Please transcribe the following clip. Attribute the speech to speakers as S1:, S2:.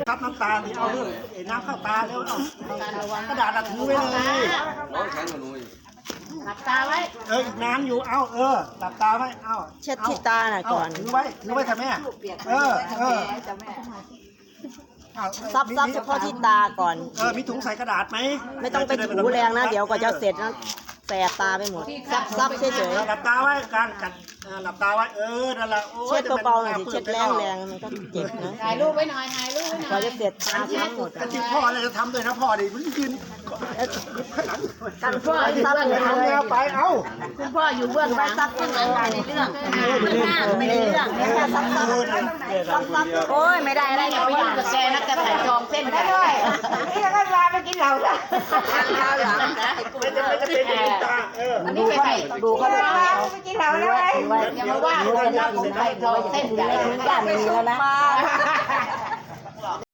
S1: ซับน้ำตาลเอาเลยน้ำเข้าตาแล้วเอากระดาษถือไว้เลย
S2: น้องแข็งกว่าหนูอีก
S3: หลับตาไว้
S1: อีกน้ำอยู่เอาหลับตาไว้เอา
S4: เช็ดที่ตาหน่อยก่อน
S1: ถือไว้ค่ะแม่
S4: ซับเฉพาะที่ตาก่อน
S1: มีถุงใส่กระดาษไหม
S4: ไม่ต้องไปถูแรงนะเดี๋ยวก็จะเสร็จนะแสบตาไปหมดซับเฉย
S1: หลับตาไว้การกัดหลับตาไว้นั่นแหละ
S4: เช็ดเบาๆหน่อยสิเช็ดแรงมันก็เจ็บนะ
S3: ถ่ายรูปไว้หน่อยถ่ายรูปไว้หน่อย
S4: กว่าจะเสร็จตาทั้งหมด
S1: จริงพ่ออะไรจะทำด้วยนะพ่อดิมันยืน
S4: กันพ่อซับเลย
S1: ทำแล้วไป
S3: คุณพ่ออยู่เบื้องหลังซับเบื้องหลังในเรื่องไม่ได้เรื่อง
S4: แค่ซับโอ้ยไม่ได้อะไร
S3: อย่าไปยุ่งกับแกนะแกถ่ายจองเส้นได้ด้วยนี่แล้วก็ลาไปกินเหล้าจ้ะ
S4: ข้าวหลังนะ
S1: ไม่จะเป็นตา
S3: อันนี้ไป
S4: ดูเขาดู
S3: ไปกินเหล้าแล้วอย่ามาว่าผมนะผมถ่ายจองเส้นใหญ่
S4: ย่านนี้แล้วนะ